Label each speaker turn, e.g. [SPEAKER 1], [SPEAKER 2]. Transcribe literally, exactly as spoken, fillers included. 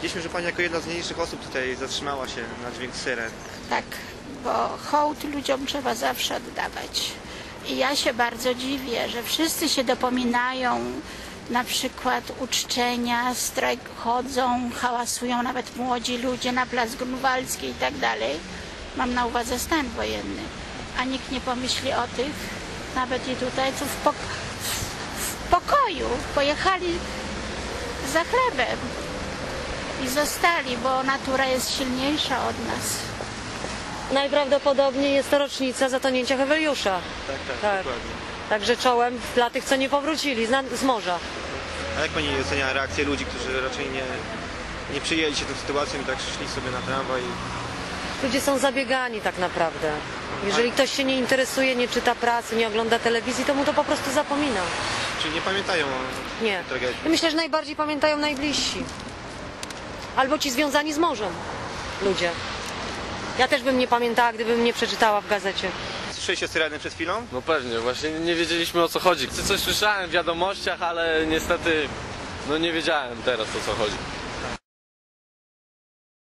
[SPEAKER 1] Widzieliśmy, że pani jako jedna z mniejszych osób tutaj zatrzymała się na dźwięk syren.
[SPEAKER 2] Tak, bo hołd ludziom trzeba zawsze oddawać. I ja się bardzo dziwię, że wszyscy się dopominają, na przykład uczczenia, strajk chodzą, hałasują nawet młodzi ludzie na Plac Grunwaldzki i tak dalej. Mam na uwadze stan wojenny. A nikt nie pomyśli o tych, nawet i tutaj, co w, pok w pokoju pojechali za chlebem i zostali, bo natura jest silniejsza od nas.
[SPEAKER 3] Najprawdopodobniej jest to rocznica zatonięcia Heweliusza.
[SPEAKER 1] Tak, tak,
[SPEAKER 3] Tak.
[SPEAKER 1] dokładnie.
[SPEAKER 3] Także czołem dla tych, co nie powrócili z, z morza.
[SPEAKER 1] A jak pani ocenia reakcję ludzi, którzy raczej nie, nie przyjęli się tą sytuacją i tak szli sobie na tramwaj?
[SPEAKER 3] Ludzie są zabiegani tak naprawdę. Jeżeli ktoś się nie interesuje, nie czyta prasy, nie ogląda telewizji, to mu to po prostu zapomina.
[SPEAKER 1] Czyli nie pamiętają o
[SPEAKER 3] Nie.
[SPEAKER 1] tragedii?
[SPEAKER 3] I myślę, że najbardziej pamiętają najbliżsi. Albo ci związani z morzem ludzie. Ja też bym nie pamiętała, gdybym nie przeczytała w gazecie.
[SPEAKER 1] Słyszeliście syreny przed chwilą?
[SPEAKER 4] No pewnie, właśnie nie wiedzieliśmy, o co chodzi. Coś słyszałem w wiadomościach, ale niestety no nie wiedziałem teraz, o co chodzi.